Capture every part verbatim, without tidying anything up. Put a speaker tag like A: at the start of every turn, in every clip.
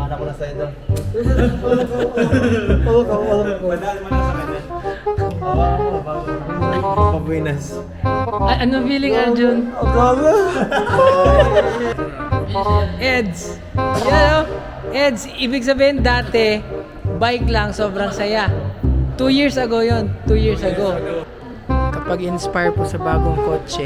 A: Papangalan ko na sa'yo doon.
B: Madali mo na sa kanya.
A: Hawakan mo, bago. Pabuinas.
C: A- ano feeling, Arjun?
A: Ang gaga!
C: Eds. Yan o. Eds, ibig sabihin dati, bike lang, sobrang saya. Two years ago yon, two years ago. Kapag inspire po sa bagong kotse,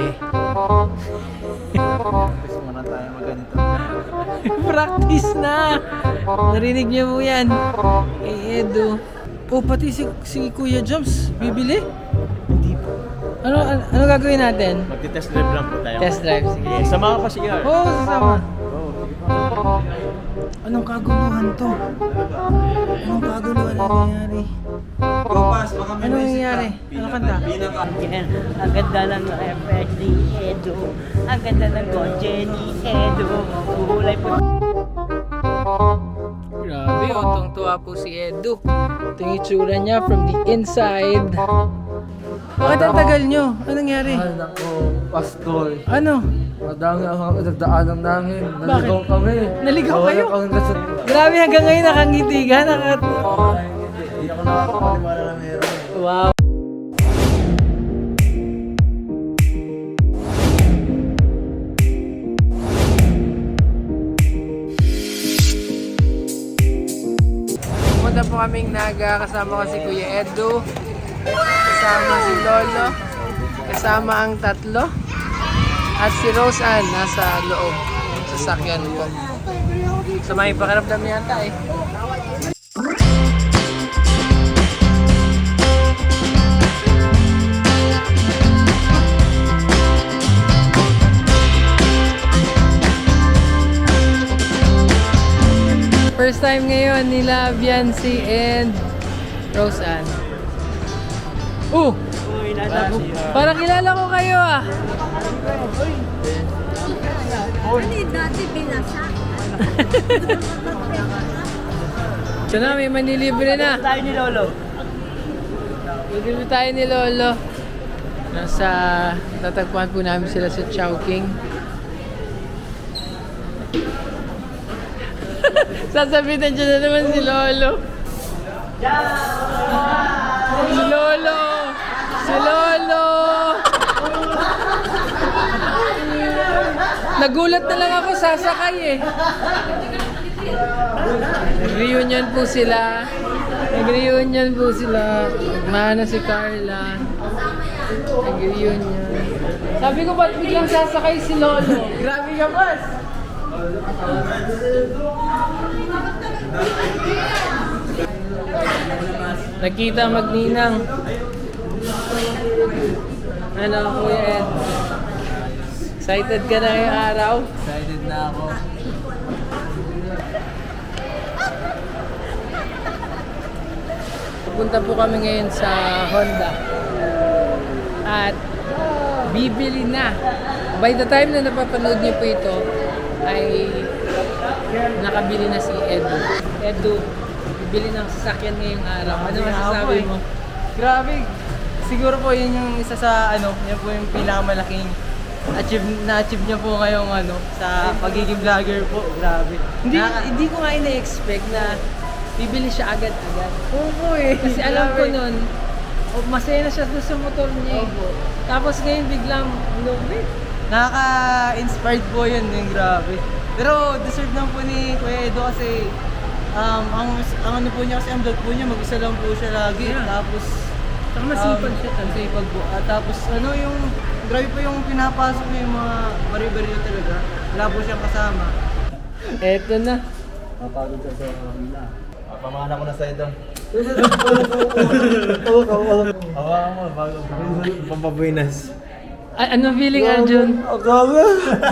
A: Gusto mo na tayo maganito.
C: practice na! Narinig niyo po yan. Eh, Edo. Oh, pati si, si Kuya Joms, bibili?
A: Hindi po.
C: Ano, ano, ano gagawin natin?
A: Magti-test drive lang po tayo.
C: Test drive, sige.
A: Sige, sama ka pa si Yar.
C: Oo, oh, sasama.
A: Oo, sige pa.
C: Anong kaguluhan to? Anong kaguluhan na nangyari?
B: Kupas, baka may
C: Ano
B: naisip ka.
C: nangyari? Ano kanta?
B: Bilang ka.
D: Yan, ang ganda ng F X ni Edo. Ang ganda ng kotse ni Edo. Kulay po.
C: Grabe, otong tuwa po si Edu. Ito yung itsura niya from the inside. Bakit ang tagal nyo? Anong nangyari?
E: Ay, nako, Pastor.
C: Ano?
E: Madami ang nagdaanan namin. Naligaw
C: Bakit?
E: kami.
C: Naligaw
E: Nawala
C: kayo?
E: kami kasi.
C: Grabe, hanggang ngayon nakangiti ka. Nakat...
A: Hindi ako nakakapaniwala na meron.
C: Wow. Pumunta po kaming Naga, kasama ko si Kuya Edu, kasama si Lolo, kasama ang tatlo, at si Rose Ann nasa loob ng sasakyan po. So may pakiramdam yata eh. First time ngayon nila Biancy and Rose Ann. Oh!
D: Uy, nasa po.
C: Parang kilala ko kayo ah!
F: Ano dati binasa?
C: Ito na, may manilibre na.
D: Tayo ni Lolo.
C: Manilibre tayo ni Lolo. Nasa, tatagpuan po namin sila sa Chowking. Sasabitan dyan na naman si Lolo. Si Lolo! Si Lolo! Nagulat na lang ako, sasakay eh. Nag-reunion po sila. Nag-reunion po sila. Mana si Carla. Nag-reunion. Sabi ko, ba't biglang sasakay si Lolo? Grabe ka, boss! Nakita magninang. Ano, Kuya Ed? Excited ka na ngayong araw?
A: Excited na ako.
C: Pupunta po kami ngayon sa Honda. At bibili na. By the time na napapanood niyo po ito, ay nakabili na si Edu. Edu, bibili ng sasakyan ngayong araw. Ano masasabi mo?
G: Grabe. Siguro po yun yung isa sa ano, yan po yung pinakamalaking achieve na-achieve niya po ngayong ano sa pagiging vlogger po. Grabe.
C: Hindi,
G: Nakaka-
C: hindi ko nga ina-expect na bibili siya agad-agad.
G: Oo po eh.
C: Kasi alam ko
G: Grabe.
C: nun, oh, masaya na siya doon sa motor niya. eh. Tapos ngayon biglang, lumit.
G: Nakaka-inspired po yun, yung grabe. Pero deserve lang po ni Kuya Edo kasi um, ang, ang ano po niya kasi ang vlog po niya, mag-isa lang po siya lagi.
C: Yeah.
G: Tapos
C: Saka masipag
G: um,
C: siya talaga.
G: Masipag po. At tapos ano yung, grabe po yung pinapasok niya yung mga bari-bari niya talaga. Wala po siyang kasama.
C: Eto na.
A: Mapagod sa sa kanila. Papangalan ko na sa'yo doon. Hawakan mo, bago. Pampabuinas.
C: A- ano feeling, Arjun?
A: Ang gaga!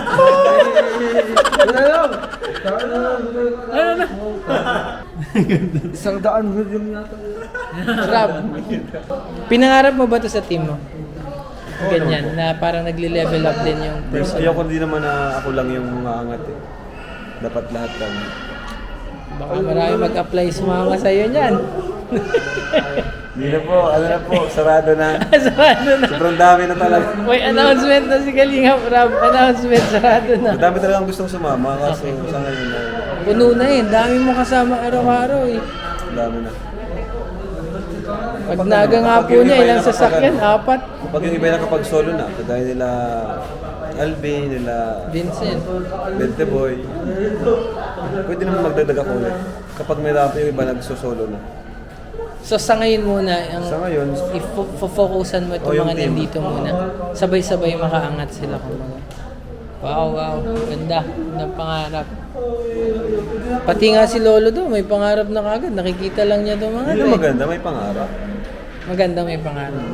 C: Ano na?
E: Isang daan million yata.
C: Rob, pinangarap mo ba to sa team mo? Ganyan, na parang nagle-level up din yung person.
B: Ayoko din naman na ako lang yung mga angat eh. Dapat lahat kami.
C: Baka marami mag-apply sumama sa'yo niyan.
B: Hindi na po, ano na po, sarado na.
C: Sarado na.
B: Sobrang dami na talaga.
C: May announcement na si Kalingap Rab. Announcement, sarado na.
B: Madami talagang gustong sumama kaso sa ngayon na
C: Puno na eh. Dami mo kasama araw-araw eh.
B: ang dami na.
C: Pag naga nga po niya, ilang sasakyan? Apat.
B: Pag yung iba na kapag solo na, kagaya nila Alvin, nila
C: Vincent.
B: Bente Boy, pwede naman magdagdag ako ulit. Kapag may rap yung iba nagsosolo na.
C: So sa ngayon muna, ang
B: Sa ngayon,
C: i-focusan mo itong
B: Oh, yung
C: mga
B: team.
C: nandito muna. Sabay-sabay makaangat sila kumbaga. Wow, wow. Ganda. Ganda pangarap. Pati nga si Lolo do, may pangarap na kagad. Nakikita lang niya itong mga
B: yun
C: to
B: yung
C: eh.
B: maganda, may pangarap.
C: Maganda may pangarap.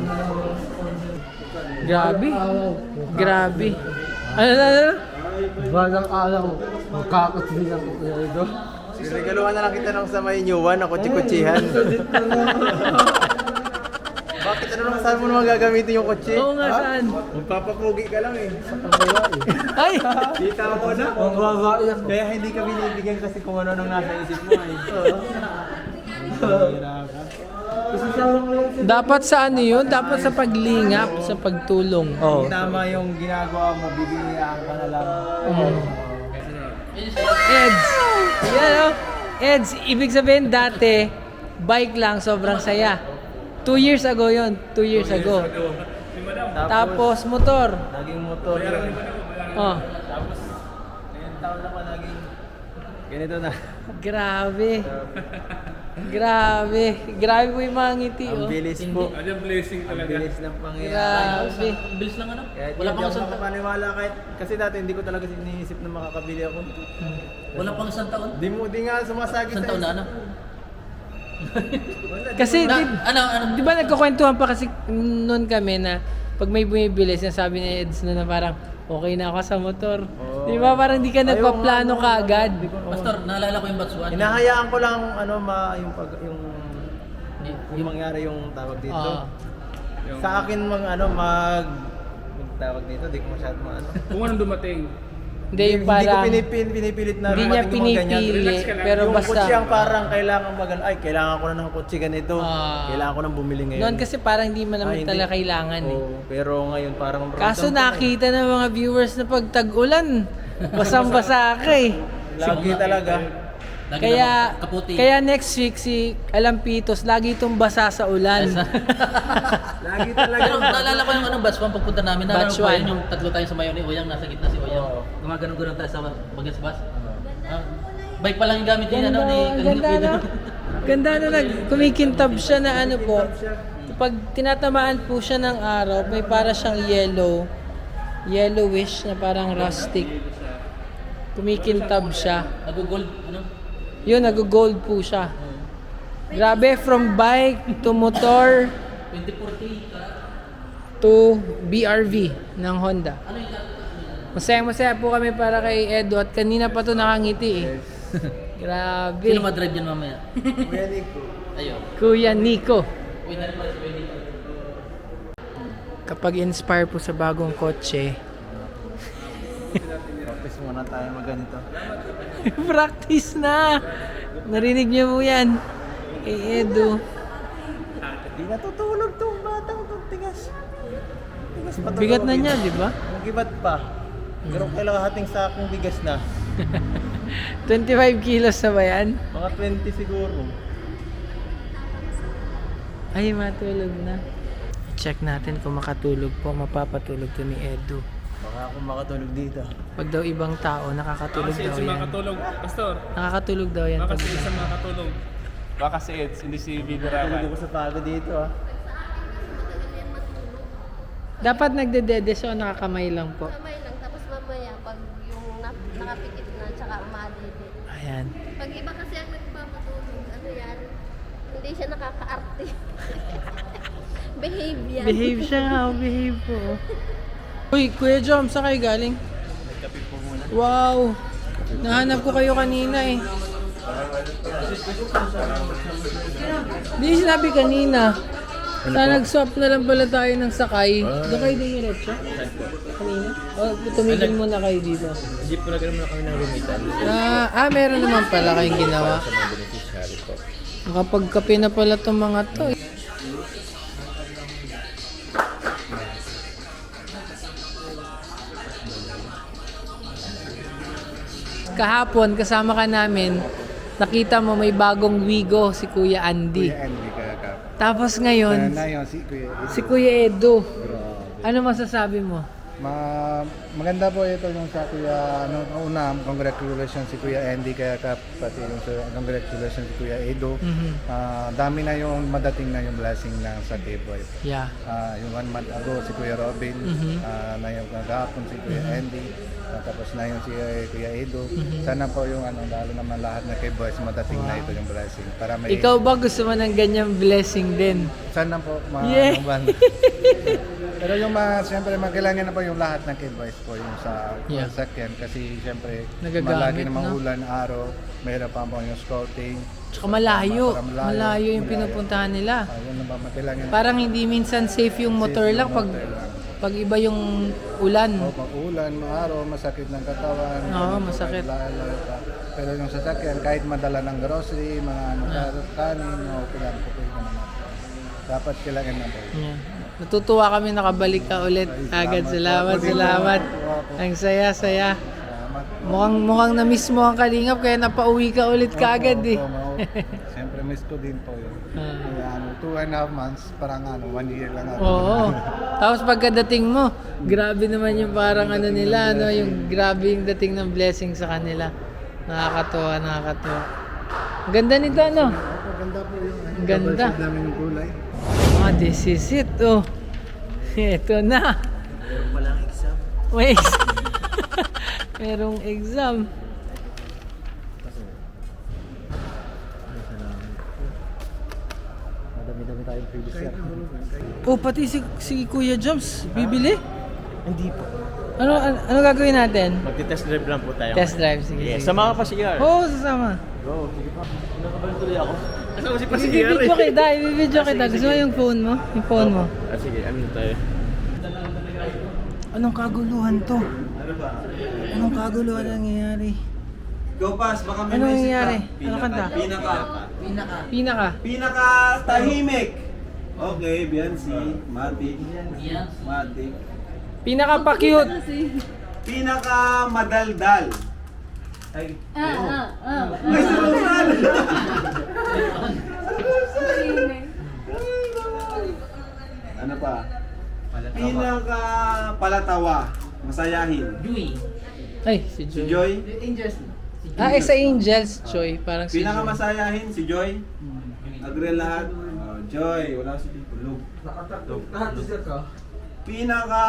C: Grabe. Grabe. Ano na, ano?
E: Balang araw, magkakasbihan ko kaya ito.
A: Regaluhan na lang kita ng sa may new one, ako kutsi-kutsihan. Bakit ano naman saan mo naman gagamitin yung kutsi?
C: Oo nga, saan?
A: Magpapapugi ka lang eh.
C: Ay!
A: Kita mo na.
E: Ang babae yan.
A: Kaya hindi ka binibigyan kasi kung ano nang nasa isip mo eh.
C: Dapat sa ano yun? Dapat sa paglingap, sa pagtulong.
A: Oh. Tama yung ginagawa mo, bibigyan ka na lang.
C: Eds! Yan o. Eds, ibig sabihin dati, bike lang, sobrang saya. Two years ago yon, two years ago. Tapos motor.
A: Naging motor yun.
C: Oh,
A: Ngayon taon na pa naging ganito na.
C: grabe. Grabe. Grabe po yung mga ngiti,
A: Ang
C: oh.
A: bilis po. Ang blessing talaga. Ang bilis ng pangyayari.
C: Grabe.
D: Bilis lang ano?
A: Kahit
D: Wala
A: hindi
D: pang
A: ako
D: isang taon.
A: makapaniwala kahit kasi dati hindi ko talaga iniisip na makakabili ako.
D: Wala pang isang taon.
A: Di mo di nga sumasagi
D: Isang
A: sa
D: taon na ano?
C: Kasi,
D: Na,
C: di,
D: ano, ano?
C: di ba nagkukwentuhan pa kasi noon kami na pag may bumibili, sinasabi ni Eds na, na parang okay na ako sa motor. Di ba parang di ka nagpaplano
A: ano,
C: ka agad.
D: Pastor, naalala ko yung batch one.
A: Hinahayaan ko lang ano ma yung pag yung yung mangyari yung tawag dito.
C: Ah.
A: Sa akin mang ano mag tawag dito, di ko masyado maano.
H: Kung anong dumating.
C: Hindi yung
A: Hindi ko
C: parang,
A: pinipil, pinipilit na
C: hindi niya
A: dumating yung mga ganyan.
C: pinipili,
H: Relax ka lang.
C: pero
A: Yung
C: basta.
A: kutsi ang parang kailangan magan ay kailangan ko na ng kutsi ganito.
C: Ah.
A: Kailangan ko nang bumili ngayon.
C: Noon kasi parang hindi mo
A: Ah,
C: naman
A: hindi.
C: talaga kailangan eh.
A: Oo, pero ngayon parang
C: Kaso
A: ramdam ko na eh.
C: nakita ng mga viewers na pag tag-ulan, basang-basa ka eh.
A: Lagi talaga.
D: Lagi
C: Kaya,
D: naman kaputi.
C: kaya next week si Alampitos, lagi itong basa sa ulan.
A: Lagi talaga.
D: Pero naalala ko yung ano, batch one, pagpunta namin. Naalala
C: Batch
D: ko
C: one.
D: yun, yung tatlo tayo sa mayo ni Uyang, nasa gitna si Uyang.
A: Oo.
D: Gumaganon-ganon tayo sa bagas bus. Ah, bike pa lang yung gamit niya, ano, ni
C: ganda
D: Kalingap
C: na. Ganda na nag kumikintab siya na ano po. Pag tinatamaan po siya ng araw, may para siyang yellow, yellowish na parang rustic. Kumikintab siya.
D: Nag-gold, ano?
C: Yun, nag-gold po siya. Grabe, from bike to motor
D: twenty forty.
C: to B R V ng Honda. Masaya-masaya po kami para kay Edo at kanina pa to nakangiti eh. Grabe.
D: Sino madrive yun mamaya?
A: Kuya Nico.
D: Ayun.
C: Kuya Nico.
D: Uy, nari pa si Kuya Nico.
C: Kapag inspire po sa bagong kotse,
A: Practice muna tayo magganito.
C: practice na! Narinig niyo po yan. Kay Edo.
A: Di natutulog tong batang tong tigas. Tigas pa to.
C: Bigat na niya, di ba?
A: Magibat pa. Pero kailangan hating sakong bigas na.
C: twenty-five kilos na ba yan?
A: Mga twenty siguro.
C: Ay, matulog na. Check natin kung makatulog po. Mapapatulog to ni Edo.
A: Baka ako makatulog dito.
C: Pag daw ibang tao, nakakatulog
H: Baka si
C: daw
H: Eds yung
C: yan.
H: makatulog. Pastor,
C: Nakakatulog daw yan.
H: baka
C: Pag
H: si Eds ang makatulog. Baka si Eds, hindi si Bibi
A: Tulog
H: Raman.
A: ako sa pagod dito ah.
C: Dapat nagdedede siya o nakakamay lang po.
F: Kamay lang, tapos mamaya, pag yung na- nakapikit na, tsaka umadidit.
C: Ayan.
F: Pag iba kasi ang nagpapatulog, ano yan, hindi siya nakaka-arte. Behave yan.
C: Behave siya nga, oh, behave po. Uy, Kuya Jom, saan kayo galing? Wow! Nahanap ko kayo kanina eh. Hindi sinabi kanina. Sana nag-swap na lang pala tayo ng sakay. Doon kayo din yung retso? Kanina? O, tumigil muna kayo dito.
B: Jeep ko na naman kami ng rumitan.
C: Ah, ah, meron naman pala kayong ginawa. Nakapagkape na pala itong mga to. eh. kahapon kasama ka namin, nakita mo may bagong wigo si Kuya Andy.
A: Kuya Andy kaya ka.
C: Tapos ngayon,
A: Na yun, si Kuya Edo.
C: si Kuya Edo.
A: Grabe.
C: Ano masasabi mo?
A: Ma maganda po ito yung sa Kuya, ano, una, congratulations si Kuya Andy kaya ka, pati yung sa, congratulations si Kuya Edo.
C: Mhm.
A: Ah, dami na yung madating na yung blessing na sa K-Boy.
C: Yeah.
A: Ah, yung one month ago si Kuya Robin,
C: Mhm.
A: ah, na yung kagahapon si Kuya Andy, ah, tapos na yung si eh, Kuya Edo.
C: Mhm.
A: Sana po yung ano, lalo naman lahat na K-Boys madating na ito yung blessing. Para may,
C: Ikaw ba gusto mo ng ganyang blessing din?
A: sana po ma
C: Yeah.
A: ano, pero yung mga, siyempre, magkailangan na po yung lahat ng K-Boys po yung sa
C: Yeah.
A: sakyan kasi siyempre
C: Nagagamit,
A: malagi namang
C: no?
A: ulan, araw, mahirap pa po yung scouting.
C: Tsaka malayo.
A: Para
C: Malayo yung pinupuntahan nila.
A: Ah, yun na ba, magkailangan
C: Parang hindi minsan safe yung motor
A: Safe yung
C: lang pag
A: motor lang.
C: pag iba yung ulan.
A: O pag ulan, maaraw, masakit ng katawan.
C: Oo,
A: ganun po,
C: masakit.
A: kahit lalo pa. Pero yung sasakyan, kahit madala ng grocery, mga ano, kanin, okay lang po pwede naman. Dapat kailangan na po.
C: Yeah. Natutuwa kami nakabalik ka ulit. Agad salamat, salamat. Ang saya, saya.
A: Salamat.
C: Mukhang mukhang na-miss mo ang Kalingap kaya napauwi ka ulit kaagad eh.
A: Opo, opo. Siyempre, miss ko din po yun.
C: Ah.
A: Kaya ano, two and a half months, parang ano, one year lang ako.
C: Oo. Tapos pagkadating mo, grabe naman yung parang ano nila, no, yung grabe yung dating ng blessing sa kanila. Nakakatuwa, nakakatuwa. Ang ganda nito, ano?
A: Opo, ganda po yung ano,
C: Ang ganda.
A: double shade namin yung kulay.
C: Ah, this is it, oh. Ito na.
G: Meron palang exam.
C: May exam. Merong exam.
A: Madami-dami tayong previous year.
C: Oh, pati si, si Kuya Joms, bibili?
G: Hindi po.
C: Ano, ano, ano gagawin natin?
G: Magti-test drive lang po tayo.
C: Test drive, sige.
G: Yes,
C: sige.
G: sama ka pa si Yar.
C: Oo, sasama.
G: Go, sige pa. Nakabalik tuloy ako. Kasama si pa si Yar
C: Ibibidyo kita, ibibidyo kita. Gusto mo yung phone mo? Yung phone mo.
G: Ah, sige, ano tayo?
C: Anong kaguluhan to? Anong kaguluhan ang nangyayari?
B: Go pass, baka may
C: Ano
B: naisip
C: nangyayari?
B: ka.
C: Ano kanta?
B: Pinaka.
C: Pinaka.
B: Pinaka tahimik. Okay, Biancy, Matic. Matic.
C: Pinaka pa cute.
B: Pinaka madaldal. Ay,
F: Ah, ah, ah.
B: ay salusan. Ano pa? Pinaka palatawa. Masayahin.
C: Ay, si
B: Si
C: Joy.
B: Joy.
C: Ah, eh, sa Angels, Joy. Parang si
B: Pinaka
C: Joy.
B: masayahin si Joy. Agree lahat. Oh, Joy, wala si Tulog. Pinaka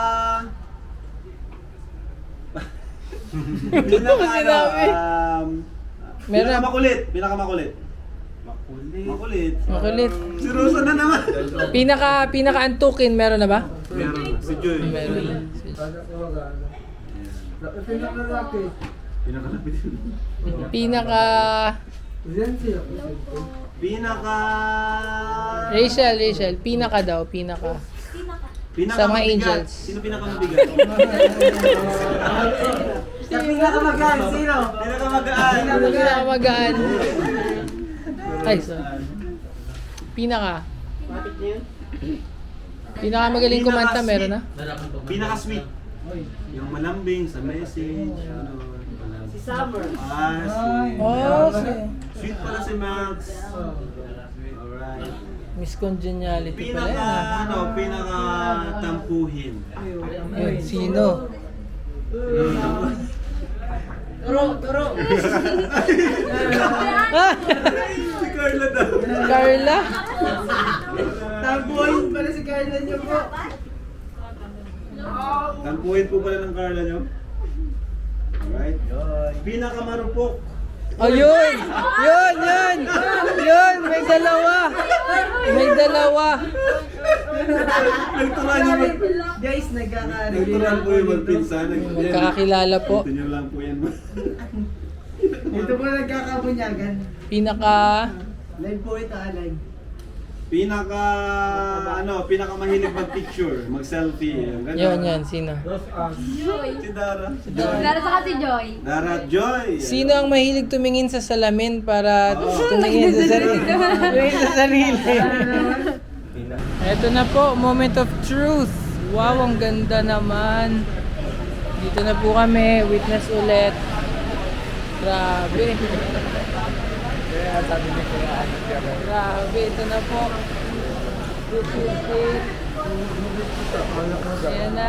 B: Pinaka
C: Kasi
B: ano,
C: dami.
B: um,
C: Meron-
B: pinaka makulit, pinaka makulit. Makulit. Makulit.
C: Makulit.
B: Si Rosa na naman.
C: Pinaka, pinaka antukin, meron na ba?
B: Meron. Si Joy.
C: Meron.
B: Pinaka lapit.
C: Pinaka...
B: Pinaka
C: Rachel, Rachel. Pinaka daw, pinaka.
B: Pinaka
C: Sa mga
B: mabigat.
C: angels.
B: Sino pinaka mabigat?
G: Pinakamagaan, sino?
B: Pinaka magaan.
C: Pinaka magaan. Ay, so. Pinaka. Pinaka magaling kumanta, meron na?
B: Pinaka sweet. Yung malambing sa message. Ano, si Summer. Ah, si...
C: Oh, si
B: Sweet pala si Max. Alright.
C: Miss Congeniality pala
B: Pinaka,
C: yan, ah.
B: ano, pinaka tampuhin.
C: Yun, sino?
G: Turo, turo.
C: Ah!
B: Si Carla daw.
C: Carla?
G: Tampuhin pala si Carla niyo po.
B: Tampuhin po pala ng Carla nyo. Alright. Pinaka marupok.
C: Oh, yun! Yun, yun! Yun! May dalawa! May dalawa!
B: Nagturan nyo mag...
G: Guys, nagkakaroon.
B: Nagturan po yung magpinsan.
C: Magkakakilala po.
B: Ito nyo lang po yan.
G: Ito po nagkakabunyagan.
C: Pinaka...
G: Live po ito, ah, live.
B: Pinaka, ano, pinaka mahilig mag-picture, mag-selfie. Yung ganun.
C: Yun, yan. Sino?
F: Joy.
B: Si Dara.
F: Dara sa kasi Joy.
B: Dara at Joy.
C: Sino ang mahilig tumingin sa salamin para tumingin sa sarili? Tumingin sa sarili. Ito na po, moment of truth. Wow, ang ganda naman. Dito na po kami, witness ulit. Grabe. Grabe, ito na po. This is it. Ayan na.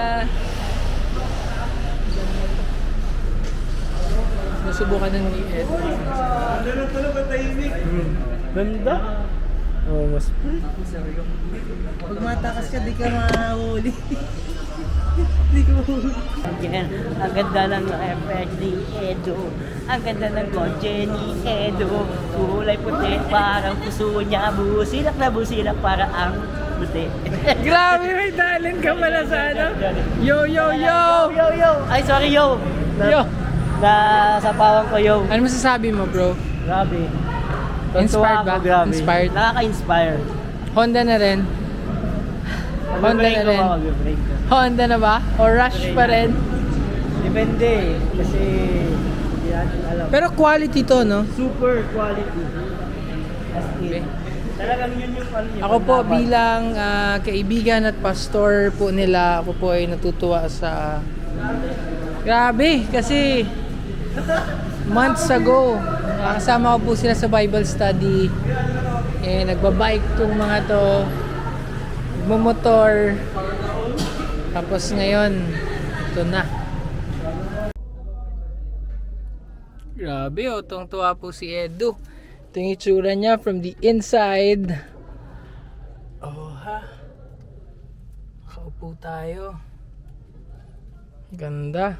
C: Nasubukan na ni Ed.
B: Ano na pala ba tahimik?
E: Ganda. Oh, mas
G: Pag matakas ka, di ka mahuli. Di ka mahuli.
D: Yan, ang ganda ng F X D Edo. Ang ganda ng kotse ni Edo. Kulay puti, parang puso niya. Busilak na busilak para ang puti.
C: Grabe, may talent ka pala sa ano. Yo, yo, yo!
D: Yo, yo! Ay, sorry, yo!
C: Yo!
D: Na sa pawang ko, yo.
C: Ano masasabi mo, bro?
D: Grabe.
C: Inspired
D: Tuntua
C: ba?
D: ako, grabe.
C: Inspired?
D: Nakaka-inspire.
C: Honda na rin? Honda na rin? Honda na ba? O Rush pa rin?
D: Depende. Kasi hindi natin alam.
C: Pero quality to, no?
D: Super quality. As in. Talagang yun yung ano yun.
C: Ako po bilang ah, kaibigan at pastor po nila, ako po ay natutuwa sa... Grabe, kasi months ago, nakasama ko po sila sa Bible study. Eh, nagbabike tong mga to, nagmamotor. Tapos ngayon, ito na. Grabe, oh, tuwang-tuwa po si Edu. Ito yung itsura niya from the inside. Oh, ha? Nakaupo tayo. Ganda.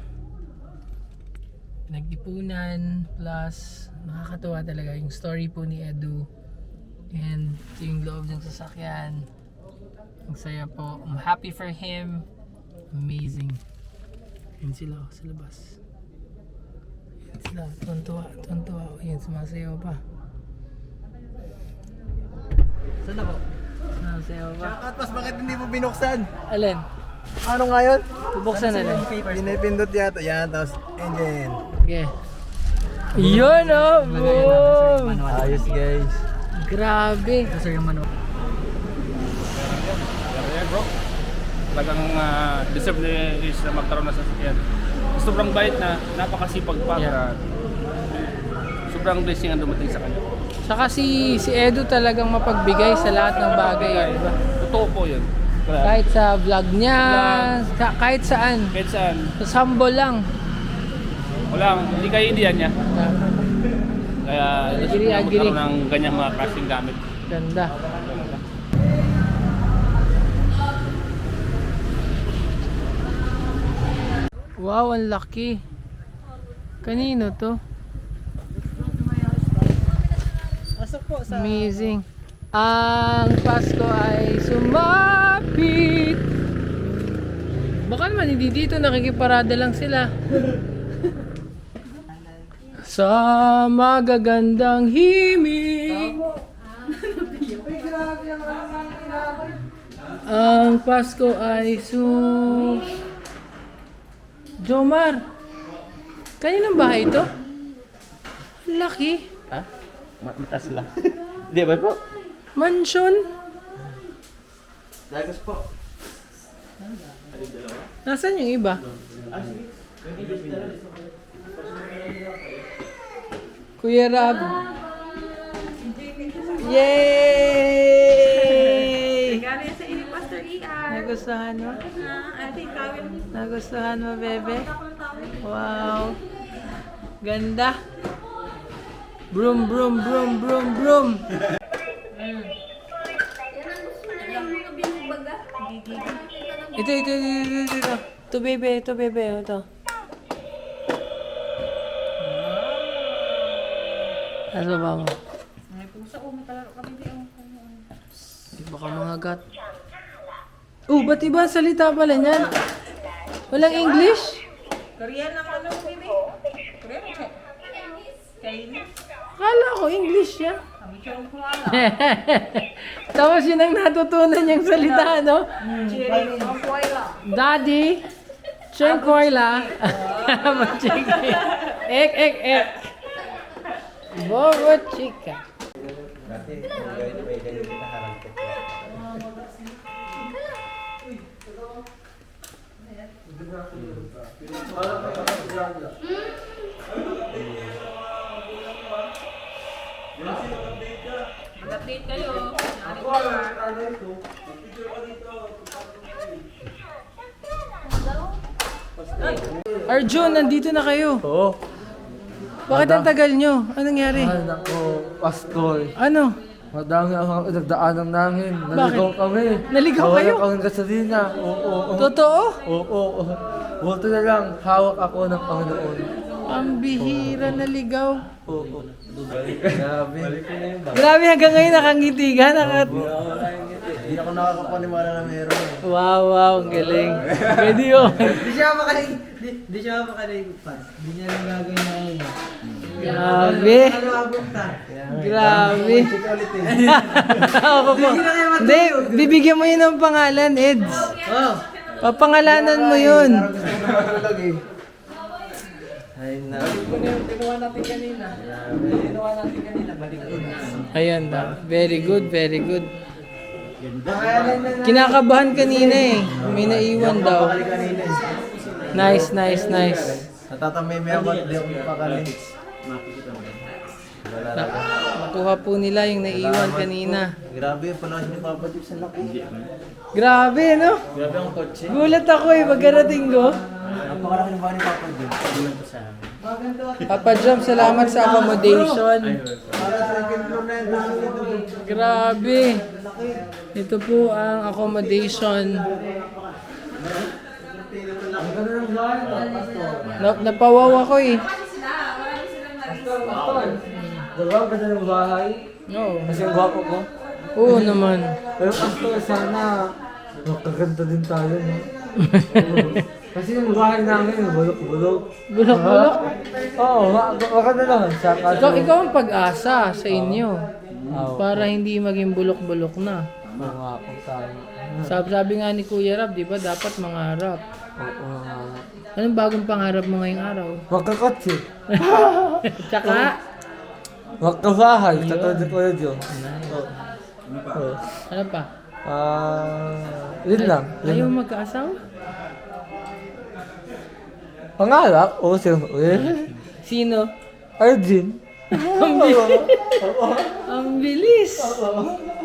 C: Nag-ipunan plus nakakatuwa talaga yung story po ni Edu. And ito yung loob ng sasakyan. Ang saya po. I'm happy for him. Amazing. Yan sila oh, sa labas. Yan sila. Tuntua. Tuntua. O yan, sumasayaw pa.
G: Saan ako?
C: Sumasayaw pa.
E: Tapos bakit hindi mo binuksan?
C: Alin?
E: Ano ngayon?
C: Bubuksan na lang.
E: Pinipindot yata. Yan, tapos engine.
C: Okay. Yun oh! Boom!
E: Ayos guys.
C: Grabe!
G: Ito sir yung manual.
H: Ayan bro. Talagang uh, deserve ni Rich na magkaroon na sasakyan. Sobrang bait na, napakasipag pa.
C: Yeah.
H: Sobrang blessing ang dumating sa kanya.
C: Saka si, si Edu talagang mapagbigay sa lahat ng bagay. Diba?
H: Totoo po yun.
C: Kahit sa vlog niya, sa, kahit saan.
H: Kahit saan.
C: Sa humble lang.
H: Wala, hindi kayo indian niya. Kaya
C: Agree,
H: deserve na
C: agree.
H: magkaroon ng ganyang mga klaseng gamit.
C: Ganda. Wow, ang laki. Kanino to?
G: Pasok po sa...
C: Amazing. Ang Pasko ay sumapit. Baka naman hindi dito, nakikiparada lang sila. Sa magagandang himig. Ang Pasko ay su... Jomar, kaninong bahay ito? Ang laki.
B: Ha? Mataas lang. Di ba po?
C: Mansion.
B: Dagas po.
C: Nasaan yung iba? Kuya Rab. Yay!
I: Galing sa inyo, Pastor E R.
C: Nagustuhan mo?
I: Ah, ating kawin.
C: Nagustuhan mo, bebe? Wow. Ganda. Broom, broom, broom, broom, broom.
F: Yan ang gusto nila yung mga binubaga.
C: Ito, ito, ito, ito, ito, ito. Ito, bebe, ito, bebe, ito. Nasa ba mo? Baka mga gat. Oh, ba't iba ang salita pala niyan? Walang English?
I: Korean ang ano, baby? Korean o Chinese?
C: Akala ko English yan. Tapos yun ang natutunan niyang salita, no? Daddy, Chen Koila. Ek, ek, ek. Bobo chica. Mag-update kayo. Arjun, nandito na kayo.
E: Oo.
C: Bakit ang tagal nyo? Anong nangyari?
E: Ay, nako, Pastor.
C: Ano?
E: Madami ang nagdaanan namin. Naligaw kami.
C: Naligaw
E: Nawala
C: kayo?
E: kami ng gasolina. Oo, oo, oo.
C: Totoo?
E: Oo, oo. Buti na lang, hawak ako ng Panginoon.
C: Ang bihira na ligaw.
E: Oo, oo. Grabe.
C: Grabe, hanggang ngayon nakangiti ka. Nakat...
A: Hindi ako nakakapaniwala na meron.
C: Wow, wow, ang galing. Pwede yun.
G: Di siya makalig, di, di siya makaligpas. Di niya lang gagawin na yun.
C: Grabe.
G: Ano abot ta?
C: Grabe. Ako po. Hindi, bibigyan mo yun ng pangalan, Eds.
G: Oh.
C: Papangalanan mo yun.
E: Ay, na.
C: Kinuha natin kanina. Kinuha natin kanina. Ayan daw. Very good, very good. Kinakabahan kanina eh. May naiwan daw. Nice, nice, nice.
A: Natatamay-may ako at di ako mapakali.
C: Na- Nakuha po nila yung naiwan kanina.
A: Grabe yung panahon ni Papa Jeep sa laki.
C: Grabe, no?
A: Grabe ang kotse.
C: Gulat ako eh, pagkarating ko.
A: Napakalaki ng bahay ni Papa Jeep. Sabihan ko sa amin.
C: Papa Jam, salamat sa accommodation.
A: Para sa second floor na yun.
C: Grabe. Ito po ang accommodation.
E: Ang ganda ng bahay, Pastor.
C: Na napawaw ako eh.
E: Diba, ang ganda ng bahay?
C: Oo.
E: Kasi ang gwapo ko.
C: Oo naman.
E: Pero Pastor, sana magkaganda din tayo, no? Kasi yung bahay namin, bulok-bulok.
C: Bulok-bulok.
E: Oo, ma- maganda naman siya. Kaso,
C: Ikaw, ikaw ang pag-asa sa inyo.
E: Oo.
C: Para hindi maging bulok-bulok na.
E: mga kung tayo.
C: Sabi, sabi nga ni Kuya Rab, di ba dapat mangarap.
E: Oo.
C: Anong bagong pangarap mo ngayong araw?
E: Magkakotse.
C: Tsaka,
E: Magkabahay. Katulad ko yun yun. Oo.
C: ano pa?
E: Ah, yun lang. Yun
C: Ayaw
E: lang.
C: magkaasawa?
E: Pangarap? Oo, siyempre.
C: Sino?
E: Arjun.
C: Ang bilis. Ang bilis.